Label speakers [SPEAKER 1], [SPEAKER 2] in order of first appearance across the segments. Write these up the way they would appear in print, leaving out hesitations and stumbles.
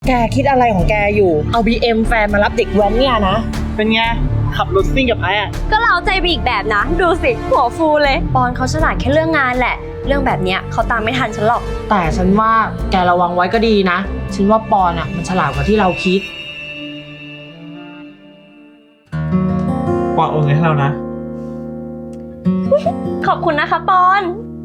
[SPEAKER 1] แกคิดอะไรของแกอยู่เอา BM แฟนมารับเด็กแว้นเนี่ยนะ
[SPEAKER 2] เป็นไงขับรถซิ่งกับไอ้อะ
[SPEAKER 3] ก็เราใจไปอีกแบบนะดูสิหัวฟูเลยปอนเขาฉลาดแค่เรื่องงานแหละเรื่องแบบเนี้ยเขาตามไม่ทันฉันหรอก
[SPEAKER 1] แต่ฉันว่าแกระวังไว้ก็ดีนะฉันว่าปอนอ่ะมันฉลาดกว่าที่เราคิด
[SPEAKER 2] ปอนโอนเงินให้เรานะ
[SPEAKER 3] ขอบคุณนะคะปอน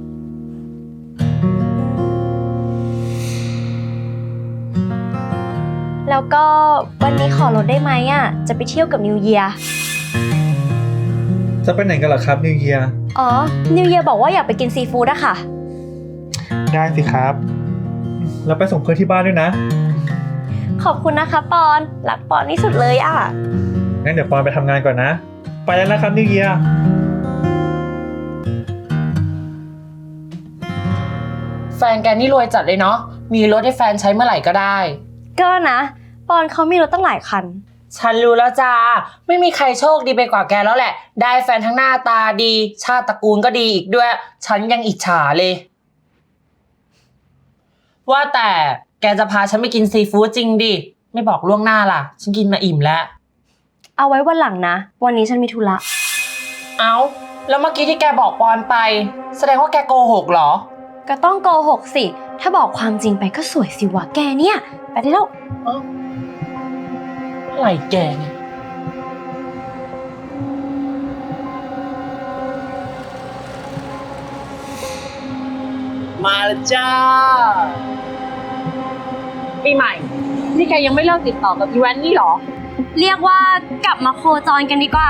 [SPEAKER 3] แล้วก็วันนี้ขอลดได้ไหมอ่ะจะไปเที่ยวกับนิวเยียร์
[SPEAKER 2] จะไปไหนกันเหรอครับนิวเยียร์
[SPEAKER 3] อ๋อนิวเยียร์บอกว่าอยากไปกินซีฟู้ดอะค่ะ
[SPEAKER 2] ได้สิครับแล้วไปส่งเพื่อนที่บ้านด้วยนะ
[SPEAKER 3] ขอบคุณนะคะปอนรักปอนที่สุดเลยอ่ะ
[SPEAKER 2] งั้นเดี๋ยวปอนไปทำงานก่อนนะไปแล้วนะครับนิวเยียร์
[SPEAKER 1] แฟนแกนี่รวยจัดเลยเนาะมีรถให้แฟนใช้เมื่อไหร่ก็ได้
[SPEAKER 3] ก็นะปอนเขามีรถตั้งหลายคัน
[SPEAKER 1] ฉันรู้แล้วจ้าไม่มีใครโชคดีไปกว่าแกแล้วแหละได้แฟนทั้งหน้าตาดีชาติตระกูลก็ดีอีกด้วยฉันยังอิจฉาเลยว่าแต่แกจะพาฉันไปกินซีฟู้ดจริงดิไม่บอกล่วงหน้าล่ะฉันกินมาอิ่มแล้ว
[SPEAKER 3] เอาไว้วันหลังนะวันนี้ฉันมีธุระ
[SPEAKER 1] เอาแล้วเมื่อกี้ที่แกบอกปอนไปแสดงว่าแกโกหกเหรอ
[SPEAKER 3] ก็ต้องโกหกสิถ้าบอกความจริงไปก็สวยสิวะแกเนี่ยไปได้แล้ว
[SPEAKER 1] อะไรแกเนี่ย
[SPEAKER 2] มาแล้วจ้า
[SPEAKER 1] ปีใหม่นี่แกยังไม่เลิกติดต่อกับอีแวนนี่หรอ
[SPEAKER 3] เรียกว่ากลับมาโคจรกันดีกว่า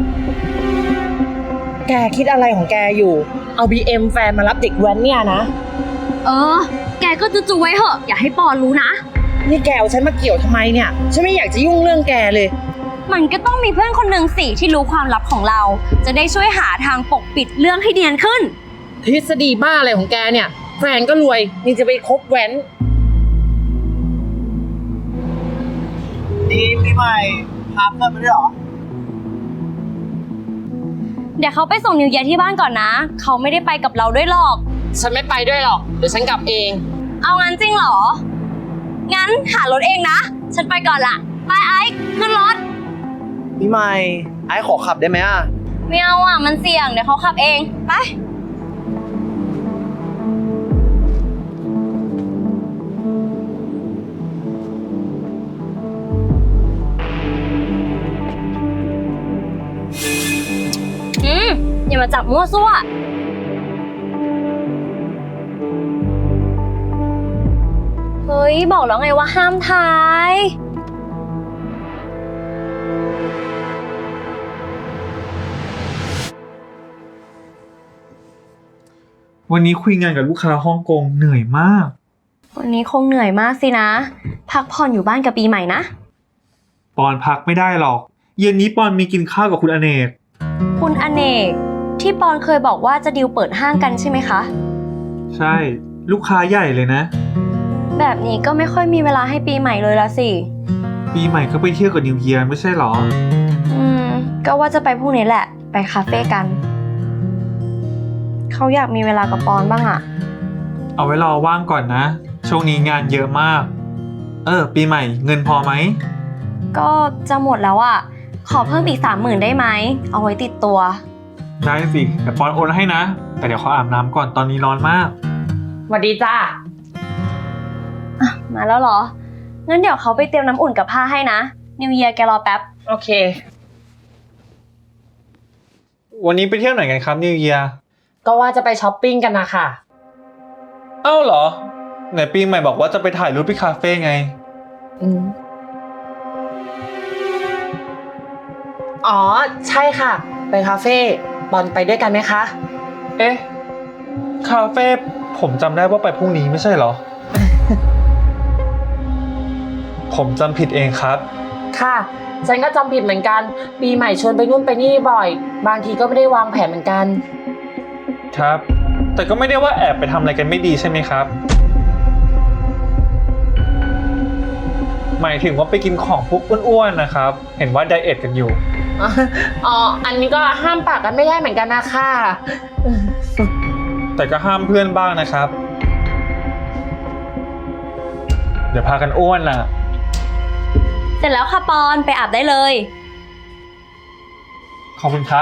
[SPEAKER 1] แกคิดอะไรของแกอยู่เอา BM แฟนมารับเด็กแว้นเนี่ยนะ
[SPEAKER 3] แกก็จุๆไว้เหอะอย่าให้ปอนรู้นะ
[SPEAKER 1] นี่แกเอาฉันมาเกี่ยวทำไมเนี่ยฉันไม่อยากจะยุ่งเรื่องแกเลย
[SPEAKER 3] มันก็ต้องมีเพื่อนคนหนึ่งสิที่รู้ความลับของเราจะได้ช่วยหาทางปกปิดเรื่องให้เนียนขึ้น
[SPEAKER 1] ทฤษฎีบ้าอะไรของแกเนี่ยแฟนก็รวยยังจะไปคบแว้น
[SPEAKER 2] ดีปีใหม่พาเพื่อนมาด้วยเหรอ
[SPEAKER 3] เดี๋ยวเขาไปส่งนิวเยียร์ที่บ้านก่อนนะเขาไม่ได้ไปกับเราด้วยหรอก
[SPEAKER 1] ฉันไม่ไปด้วยหรอกเดี๋ยวฉันกลับเอง
[SPEAKER 3] เอางั้นจริงเหรองั้นหารถเองนะฉันไปก่อนละไปไอ้ขึ้นรถ
[SPEAKER 2] ปีใหม่ไอ้ขอขับได้ไหมอ่ะ
[SPEAKER 3] ไม่เอาอ่ะมันเสี่ยงเดี๋ยวเขาขับเองไปอย่ามาจับมั่วซั่วเฮ้ยบอกแล้วไงว่าห้ามถ่าย
[SPEAKER 2] วันนี้คุยงานกับลูกค้าฮ่องกงเหนื่อยมาก
[SPEAKER 3] วันนี้คงเหนื่อยมากสินะพักผ่อนอยู่บ้านกับปีใหม่นะ
[SPEAKER 2] ปอนพักไม่ได้หรอกเย็นนี้ปอนมีกินข้าวกับคุณอเนก
[SPEAKER 3] คุณอเนกที่ปอนเคยบอกว่าจะดีลเปิดห้างกันใช่ไหมคะ
[SPEAKER 2] ใช่ลูกค้าใหญ่เลยนะ
[SPEAKER 3] แบบนี้ก็ไม่ค่อยมีเวลาให้ปีใหม่เลยละสิ
[SPEAKER 2] ปีใหม่ก็ไปเที่ยวกับนิวเยียร์ไม่ใช่หรอ
[SPEAKER 3] ก็ว่าจะไปพรุ่งนี้แหละไปคาเฟ่กันเขาอยากมีเวลากับปอนบ้างอะ
[SPEAKER 2] เอาไว้รอว่างก่อนนะช่วงนี้งานเยอะมากปีใหม่เงินพอไหม
[SPEAKER 3] ก็จะหมดแล้วอะขอเพิ่มอีก30,000ได้ไหมเอาไว้ติดตัว
[SPEAKER 2] ได้สิแต่ปอนโอนให้นะแต่เดี๋ยวขออาบน้ำก่อนตอนนี้ร้อนมาก
[SPEAKER 1] สวัสดีจ้า
[SPEAKER 3] มาแล้วเหรองั้นเดี๋ยวเขาไปเตรียมน้ำอุ่นกับผ้าให้นะนิวเยียร์แกรอแป๊บ
[SPEAKER 1] โอเค
[SPEAKER 2] วันนี้ไปเที่ยวไหนกันครับนิวเยียร์
[SPEAKER 1] ก็ว่าจะไปช้อปปิ้งกันนะค่ะ
[SPEAKER 2] เอ้าเหรอไหนปีใหม่บอกว่าจะไปถ่ายรูปที่คาเฟ่ไง
[SPEAKER 1] อ๋อใช่ค่ะไปคาเฟ่บอลไปด้วยกันไหมคะ
[SPEAKER 2] เอ๊ะคาเฟ่ผมจำได้ว่าไปพรุ่งนี้ไม่ใช่เหรอ ผมจำผิดเองครับ
[SPEAKER 1] ค่ะฉันก็จำผิดเหมือนกันปีใหม่ชวนไปนู่นไปนี่บ่อยบางทีก็ไม่ได้วางแผนเหมือนกัน
[SPEAKER 2] ครับแต่ก็ไม่ได้ว่าแอบไปทำอะไรกันไม่ดีใช่ไหมครับหมายถึงว่าไปกินของพวกอ้วนๆนะครับเห็นว่าไดเอทกันอยู่
[SPEAKER 1] อ๋ออันนี้ก็ห้ามปากกันไม่ได้เหมือนกันนะค่ะ
[SPEAKER 2] แต่ก็ห้ามเพื่อนบ้างนะครับเดี๋ยวพากันอ้วนล่ะ
[SPEAKER 3] เสร็จแล้วค่ะปอนไปอาบได้เลย
[SPEAKER 2] ขอบคุณครับ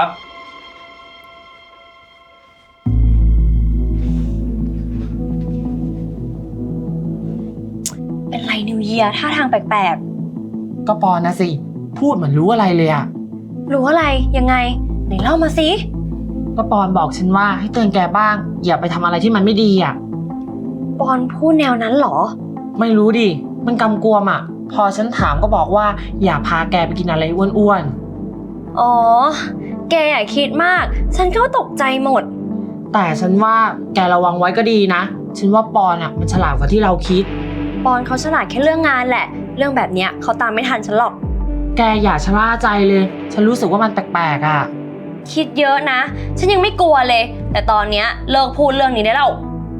[SPEAKER 3] เป็นไรนิวเยียร์ท่าทางแปลก
[SPEAKER 1] ก็ปอนนะสิ พูดเหมือนรู้อะไรเลยอะ
[SPEAKER 3] ๆ รู้อะไรยังไงไหนเล่ามาสิ
[SPEAKER 1] ก็ปอนบอกฉันว่าให้เตือนแกบ้าง อย่าไปทำอะไรที่มันไม่ดีอะ
[SPEAKER 3] ปอนพูดแนวนั้นเหรอ
[SPEAKER 1] ไม่รู้ดิ มันกำกวมอะพอฉันถามก็บอกว่าอย่าพาแกไปกินอะไรอ้วน
[SPEAKER 3] อ๋อ แกอย่าคิดมาก ฉันก็ตกใจหมด
[SPEAKER 1] ๆ แต่ฉันว่าแกระวังไว้ก็ดีนะ ฉันว่าปอนอะมันฉลาดกว่าที่เราคิด
[SPEAKER 3] ปอนเขาฉลาดแค่เรื่องงานแหละ เรื่องแบบเนี้ยเขาตามไม่ทันฉันหรอก
[SPEAKER 1] แกอย่าชะล่าใจเลย ฉันรู้สึกว่ามันแปลกๆอะ
[SPEAKER 3] คิดเยอะนะ ฉันยังไม่กลัวเลย แต่ตอนเนี้ยเลิกพูดเรื่องนี้ได้แล้ว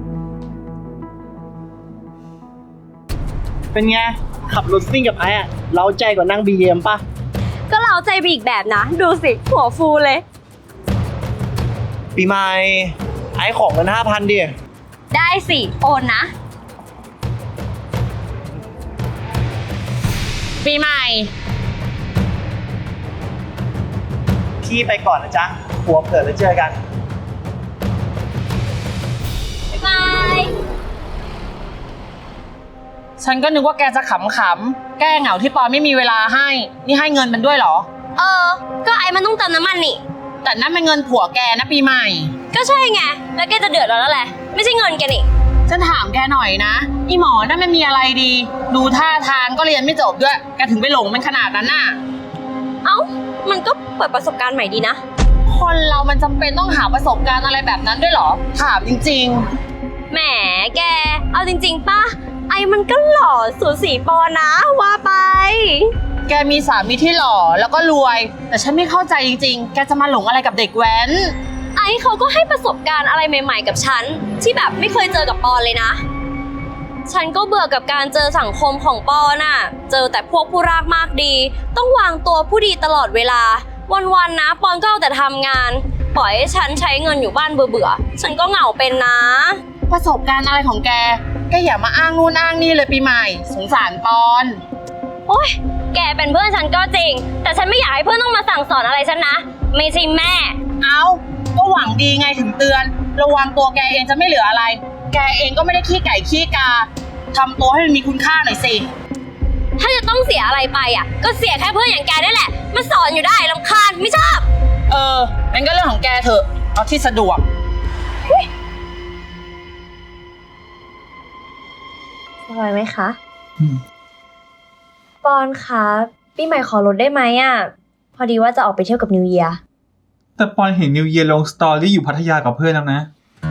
[SPEAKER 4] เป็นไง ขับรถซิ่งกับไอ้อะเล้าใจกว่านั่ง BM ป่ะ
[SPEAKER 3] ก็เราใจไปอีกแบบนะ ดูสิ หัวฟูเลย
[SPEAKER 4] ปีใหม่ ไอ้ของเงิน5,000ดิ
[SPEAKER 3] ได้สิ โอนนะ
[SPEAKER 1] ปีใหม่
[SPEAKER 4] พี่ไปก่อนนะจ๊ะหัวเผื่อแล้วเจอกัน
[SPEAKER 3] บ๊ายบาย
[SPEAKER 1] ฉันก็นึกว่าแกจะขำๆ แก้เหงาที่ปอนไม่มีเวลาให้ นี่ให้เงินมันด้วยเหรอ
[SPEAKER 3] ก็ไอ้มันต้องเติมน้ำมันนี่
[SPEAKER 1] แต่นั่นเป็นเงินผัวแกนะปีใหม่
[SPEAKER 3] ก็ใช่ไง แล้วแกจะเดือดร้อนแล้วแหละ ไม่ใช่เงินแกนี่
[SPEAKER 1] ฉันถามแกหน่อยนะ อีหมอนั่นมันมีอะไรดี ดูท่าทางก็เรียนไม่จบด้วย แกถึงไปหลงมันขนาดนั้นน่ะ
[SPEAKER 3] เอ้า มันก็เปิดประสบการณ์ใหม่ดีนะ
[SPEAKER 1] คนเรามันจำเป็นต้องหาประสบการณ์อะไรแบบนั้นด้วยเหรอ ถามจริง
[SPEAKER 3] แหมแก เอาจริงๆป่ะ ไอ้มันก็หล่อสูสีปอนะ ว่าไป
[SPEAKER 1] ๆ แกมีสามีที่หล่อแล้วก็รวย แต่ฉันไม่เข้าใจจริงๆ แกจะมาหลงอะไรกับเด็กแว้น
[SPEAKER 3] ไอ้เขาก็ให้ประสบการณ์อะไรใหม่ ๆ กับฉัน ที่แบบไม่เคยเจอกับปอนเลยนะ ฉันก็เบื่อกับการเจอสังคมของปอนน่ะ เจอแต่พวกผู้รากมากดี ต้องวางตัวผู้ดีตลอดเวลา วันๆนะปอนก็เอาแต่ทำงาน ปล่อยให้ฉันใช้เงินอยู่บ้านเบื่อๆ ฉันก็เหงาเป็นนะ
[SPEAKER 1] ประสบการณ์อะไรของแก แกอย่ามาอ้างนู่นอ้างนี่เลยปีใหม่ สงสารปอน
[SPEAKER 3] โอ๊ย แกเป็นเพื่อนฉันก็จริง แต่ฉันไม่อยากให้เพื่อนต้องมาสั่งสอนอะไรฉันนะ ไม่ใช่แม่
[SPEAKER 1] เอาก็หวังดีไงถึงเตือน ระวังตัวแกเองจะไม่เหลืออะไร แกเองก็ไม่ได้ขี้ไก่ขี้กาทำตัวให้มันมีคุณค่าหน่อยสิ
[SPEAKER 3] ถ้าจะต้องเสียอะไรไปอ่ะ ก็เสียแค่เพื่อนอย่างแกนี่แหละ มาสอนอยู่ได้รำคาญไม่ชอบ
[SPEAKER 1] งั้นก็เรื่องของแกเถอะ เอาที่สะดวก
[SPEAKER 3] สบายไหมคะปอนคะปีใหม่ขอลดได้ไหมอ่ะ พอดีว่าจะออกไปเที่ยวกับนิวเยียร์
[SPEAKER 2] แต่ปอนเห็นนิวเยียร์ลงสตอรี่อยู่พัทยากับเพื่อนแล้วนะ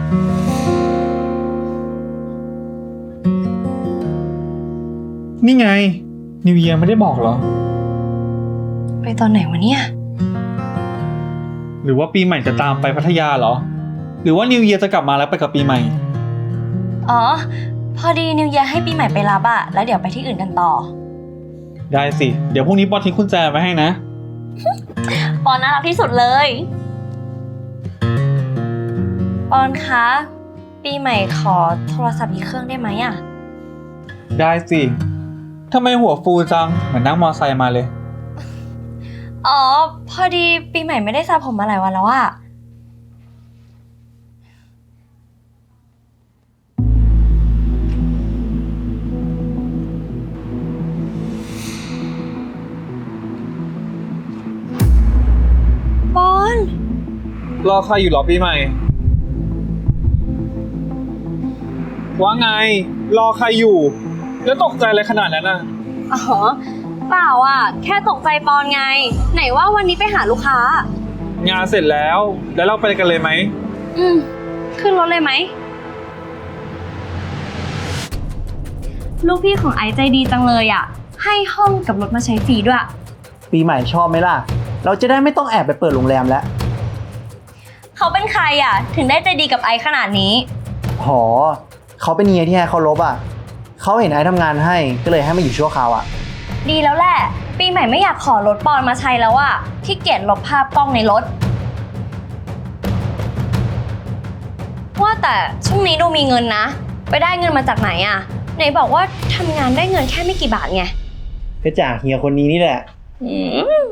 [SPEAKER 2] นี่ไง นิวเยียร์ไม่ได้บอกเหรอ
[SPEAKER 3] ไปตอนไหนวะเนี่ย
[SPEAKER 2] หรือว่าปีใหม่จะตามไปพัทยาเหรอ หรือว่านิวเยียร์จะกลับมาแล้วไปกับปีใหม่
[SPEAKER 3] อ๋อ พอดีนิวเยียร์ให้ปีใหม่ไปรับอะแล้วเดี๋ยวไปที่อื่นกันต่อ
[SPEAKER 2] ได้สิ เดี๋ยวพรุ่งนี้ปอนทิ้งกุญแจไว้ให้นะ
[SPEAKER 3] ปอนน่ารักที่สุดเลย ปอนคะ ปีใหม่ขอโทรศัพท์อีกเครื่องได้ไหมอะ
[SPEAKER 2] ได้สิทำไมหัวฟูจัง เหมือนนั่งมอไซค์มาเลย
[SPEAKER 3] อ๋อ พอดีปีใหม่ไม่ได้สระผมมาหลายวันแล้วอะปอน
[SPEAKER 2] รอใครอยู่เหรอปีใหม่ ว่าไง รอใครอยู่ แล้วตกใจอะไรขนาดนั้นน่ะ
[SPEAKER 3] อ๋อ เปล่าอะแค่ตกใจปอนไง ไหนว่าวันนี้ไปหาลูกค้า
[SPEAKER 2] งานเสร็จแล้ว แล้วเราไปกันเลยไหม
[SPEAKER 3] ขึ้นรถเลยไหม ลูกพี่ของไอซ์ใจดีจังเลยอะให้ห้องกับรถมาใช้ฟรีด้วย
[SPEAKER 4] ปีใหม่ชอบไหมล่ะ เราจะได้ไม่ต้องแอบไปเปิดโรงแรมแล้ว
[SPEAKER 3] เขาเป็นใครอะถึงได้ใจดีกับไอซ์ขนาดนี้
[SPEAKER 4] หอ เขาเป็นเฮียที่ไอ้เขาลบอ่ะ เขาเห็นไอ้ทำงานให้ก็เลยให้มาอยู่ชั่วคราวอ่ะ
[SPEAKER 3] ดีแล้วแหละ ปีใหม่ไม่อยากขอรถปอนมาใช้แล้วอะขี้เกียจลบภาพกล้องในรถ ว่าแต่ช่วงนี้ดูมีเงินนะ ไปได้เงินมาจากไหนอะไหนบอกว่าทำงานได้เงินแค่ไม่กี่บาทไง
[SPEAKER 4] ก็จากเฮียคนนี้นี่แหละ
[SPEAKER 3] อืม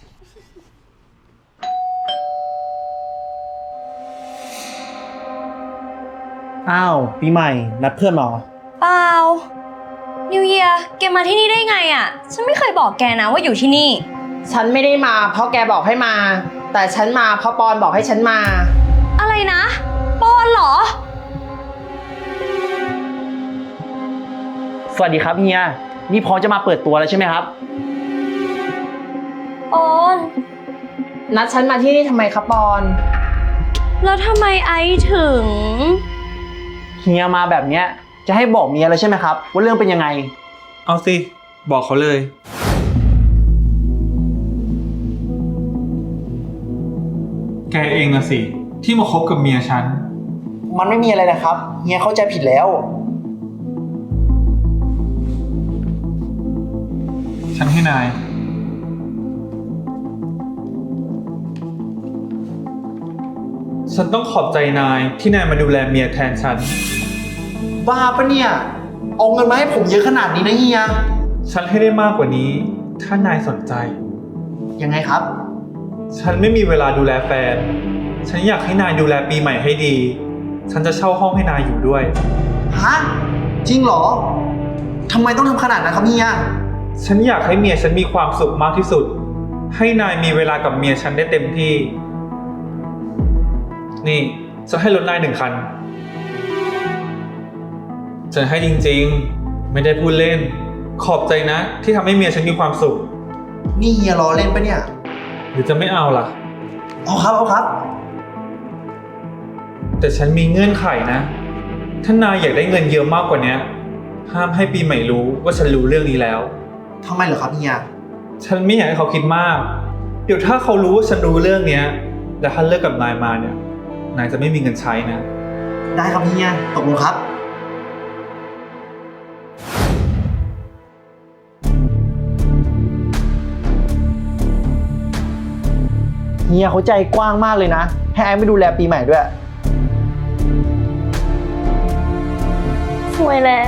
[SPEAKER 4] อ้าวปีใหม่นัดเพื่อนมาเหรอ
[SPEAKER 3] เปล่านิวเยียแกมาที่นี่ได้ไงอ่ะ ฉันไม่เคยบอกแกนะว่าอยู่ที่นี่
[SPEAKER 1] ฉันไม่ได้มาเพราะแกบอกให้มา แต่ฉันมาเพราะปอนบอกให้ฉันมา
[SPEAKER 3] อะไรนะ ปอนเหรอ
[SPEAKER 4] สวัสดีครับเฮีย นี่พร้อมจะมาเปิดตัวแล้วใช่ไหมครับ
[SPEAKER 3] ปอน
[SPEAKER 1] นัดฉันมาที่นี่ทำไมคะปอน
[SPEAKER 3] แล้วทำไมไอซ์ถึง
[SPEAKER 4] เฮียมาแบบเนี้ยจะให้บอกเมียแล้วใช่ไหมครับ ว่าเรื่องเป็นยังไง
[SPEAKER 2] เอาสิ บอกเขาเลย แกเองนะสิ ที่มาคบกับเมียฉัน
[SPEAKER 4] มันไม่มีอะไรนะครับ เฮียเข้าใจผิดแล้ว
[SPEAKER 2] ฉันให้นาย ฉันต้องขอบใจนายที่นายมาดูแลเมียแทนฉัน
[SPEAKER 4] บ้าปะเนี่ย เอาเงินมาให้ผมเยอะขนาดนี้นะเฮีย
[SPEAKER 2] ฉันให้ได้มากกว่านี้ ถ้านายสนใจ
[SPEAKER 4] ยังไงครับ
[SPEAKER 2] ฉันไม่มีเวลาดูแลแฟน ฉันอยากให้นายดูแลปีใหม่ให้ดี ฉันจะเช่าห้องให้นายอยู่ด้วย
[SPEAKER 4] ฮะ จริงเหรอ ทำไมต้องทำขนาดนั้นครับเฮีย
[SPEAKER 2] ฉันอยากให้เมียฉันมีความสุขมากที่สุด ให้นายมีเวลากับเมียฉันได้เต็มที่ นี่ฉันให้รถนาย1 คัน ฉันให้จริงๆ ไม่ได้พูดเล่น ขอบใจนะ ที่ทำให้เมียฉันมีความสุข
[SPEAKER 4] นี่เฮียล้อเล่นปะเนี่ย
[SPEAKER 2] หรือจะไม่เอาล่ะ
[SPEAKER 4] เอาครับ เอาครับ
[SPEAKER 2] แต่ฉันมีเงื่อนไขนะ ถ้านายอยากได้เงินเยอะมากกว่านี้ ห้ามให้ปีใหม่รู้ว่าฉันรู้เรื่องนี้แล้ว
[SPEAKER 4] ทำไมเหรอครับเฮีย
[SPEAKER 2] ฉันไม่อยากให้เขาคิดมาก เดี๋ยวถ้าเขารู้ว่าฉันรู้เรื่องเนี้ย แล้วถ้าเลิกกับนายมาเนี่ย นายจะไม่มีเงินใช้นะ
[SPEAKER 4] ได้ครับเฮีย ตกลงครับ เฮียเขาใจกว้างมากเลยนะ ให้ไอ้ไม่ดูแลปีใหม่ด้วย
[SPEAKER 3] สวยแล้ว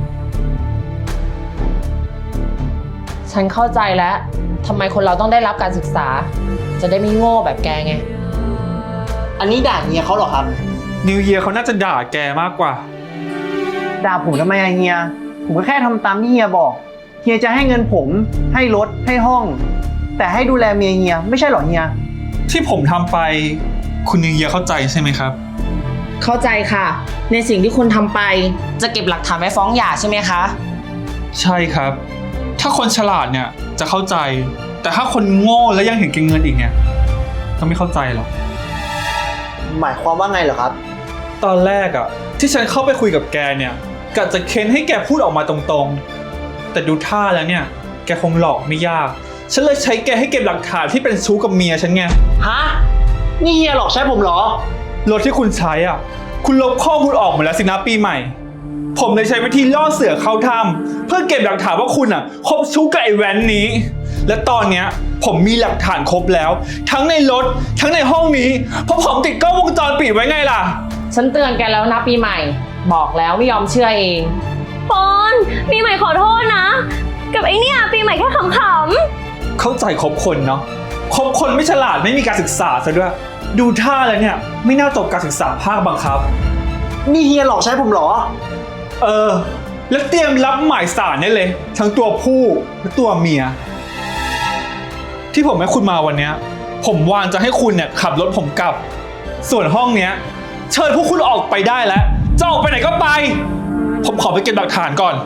[SPEAKER 1] ฉันเข้าใจแล้วทำไมคนเราต้องได้รับการศึกษา จะได้ไม่โง่แบบแกไง
[SPEAKER 4] อันนี้ด่าเฮียเขาเหรอครับ
[SPEAKER 2] นิวเยียเขาน่าจะด่าแกมากกว่า
[SPEAKER 4] ด่าผมทำไมอะเฮีย ผมก็แค่ทำตามที่เฮียบอก เฮียจะให้เงินผม ให้รถ ให้ห้อง แต่ให้ดูแลเมียเฮียไม่ใช่เหรอเฮีย
[SPEAKER 2] ที่ผมทำไป คุณนิวเยียเข้าใจใช่ไหมครับ
[SPEAKER 1] เข้าใจค่ะ ในสิ่งที่คุณทำไป จะเก็บหลักฐานไว้ฟ้องหย่าใช่ไหมคะ
[SPEAKER 2] ใช่ครับ ถ้าคนฉลาดเนี่ยจะเข้าใจ แต่ถ้าคนโง่และยังเห็นแก่เงินอีกเนี่ยก็ไม่เข้าใจหรอก
[SPEAKER 4] หมายความว่าไงเหรอครับ
[SPEAKER 2] ตอนแรกอะที่ฉันเข้าไปคุยกับแกเนี่ยกะจะเค้นให้แกพูดออกมาตรงๆ แต่ดูท่าแล้วเนี่ยแกคงหลอกไม่ยาก ฉันเลยใช้แกให้เก็บหลักฐานที่เป็นชู้กับเมียฉันไง
[SPEAKER 4] ฮะ นี่เฮียหลอกใช้ผมเหรอ
[SPEAKER 2] รถที่คุณใช้อ่ะ คุณลบข้อมูลออกหมดแล้วสินะปีใหม่ ผมเลยใช้วิธีล่อเสือเข้าถ้ำเพื่อเก็บหลักฐานว่าคุณอ่ะคบชู้กับไอ้แว้นนี้ และตอนเนี้ยผมมีหลักฐานครบแล้ว ทั้งในรถทั้งในห้องนี้เพราะผมติดกล้องวงจรปิดไว้ไงล่ะ
[SPEAKER 1] ฉันเตือนแกแล้วนะปีใหม่ บอกแล้วไม่ยอมเชื่อเอง
[SPEAKER 3] ปอนปีใหม่ขอโทษนะ กับไอเนี่ยปีใหม่แค่ขำ
[SPEAKER 2] เข้าใจคบคนเนาะคบคนไม่ฉลาดไม่มีการศึกษาซะด้วย ดูท่าแล้วเนี่ยไม่น่าจบการศึกษาภาคบังคับ
[SPEAKER 4] นี่เฮียหลอกใช้ผมเหรอ
[SPEAKER 2] แล้วเตรียมรับหมายสารได้เลย ทั้งตัวผู้และตัวเมีย ที่ผมให้คุณมาวันเนี้ยผมวางจะให้คุณเนี่ยขับรถผมกลับ ส่วนห้องเนี้ยเชิญพวกคุณออกไปได้แล้วจะออกไปไหนก็ไป ผมขอไปเก็บหลักฐานก่อน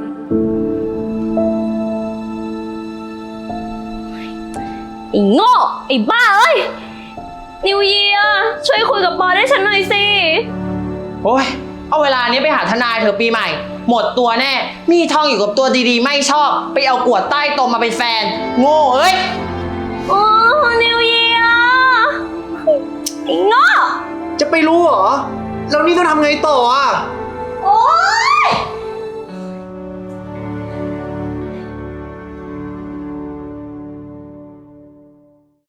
[SPEAKER 3] ไอ้โง่ไอ้บ้าเอ้ยนิวเยียช่วยคุยกับปอนให้ฉันหน่อยสิ
[SPEAKER 1] โอ้ย เอาเวลานี้ไปหาทนายเถอะปีใหม่ หมดตัวแน่ มีทองอยู่กับตัวดีๆ ไม่ชอบ ไปเอากวดใต้ตมมาเป็นแฟน โง่เอ้ย
[SPEAKER 3] โอ้นิวเยียไอ้โง่
[SPEAKER 4] จะไปรู้เหรอ แล้วนี่ต้องทำไงต่ออ่ะ